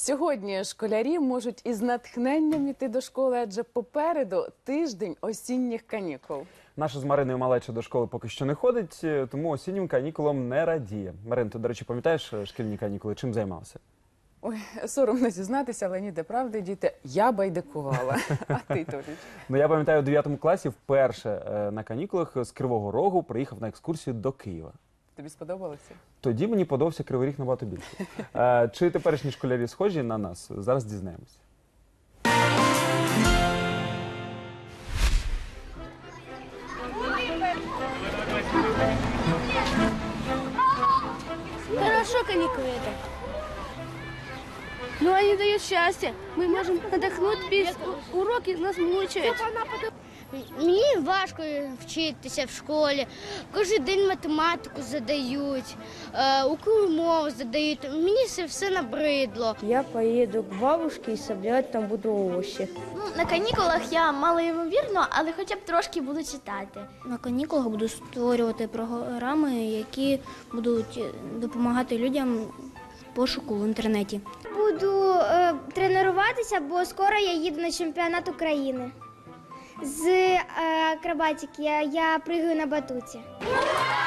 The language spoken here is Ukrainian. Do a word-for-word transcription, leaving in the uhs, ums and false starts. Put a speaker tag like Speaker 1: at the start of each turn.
Speaker 1: Сьогодні школярі можуть із натхненням іти до школи, адже попереду тиждень осінніх канікул.
Speaker 2: Наша з Мариною малеча до школи поки що не ходить, тому осіннім канікулам не радіє. Марин, ти, до речі, пам'ятаєш шкільні канікули? Чим займався?
Speaker 1: Ой, соромно зізнатися, але ні, де правди, діти, я байдикувала. А ти, Толіч?
Speaker 2: Ну, я пам'ятаю, у дев'ятому класі вперше на канікулах з Кривого Рогу приїхав на екскурсію до Києва.
Speaker 1: Тобі сподобалося?
Speaker 2: Тоді мені подобався Кривий Ріг набагато більше. А, чи теперішні школярі схожі на нас? Зараз дізнаємося.
Speaker 3: Хорошо каникулы это. Но они дают счастье. Мы можем отдохнуть, без уроки нас мучают.
Speaker 4: Мені важко вчитися в школі. Кожен день математику задають, українську мову задають. Мені це все набридло.
Speaker 5: Я поеду к бабушке и собирать там буду овощи.
Speaker 6: Ну, на канікулах я малоймовірно, але хоча б трошки буду читати.
Speaker 7: На канікулах буду створювати програми, які будуть допомагати людям в пошуку в інтернеті.
Speaker 8: Буду е, тренуватися, бо скоро я їду на чемпіонат України. З е, акробатики я, я пригаю на батуті.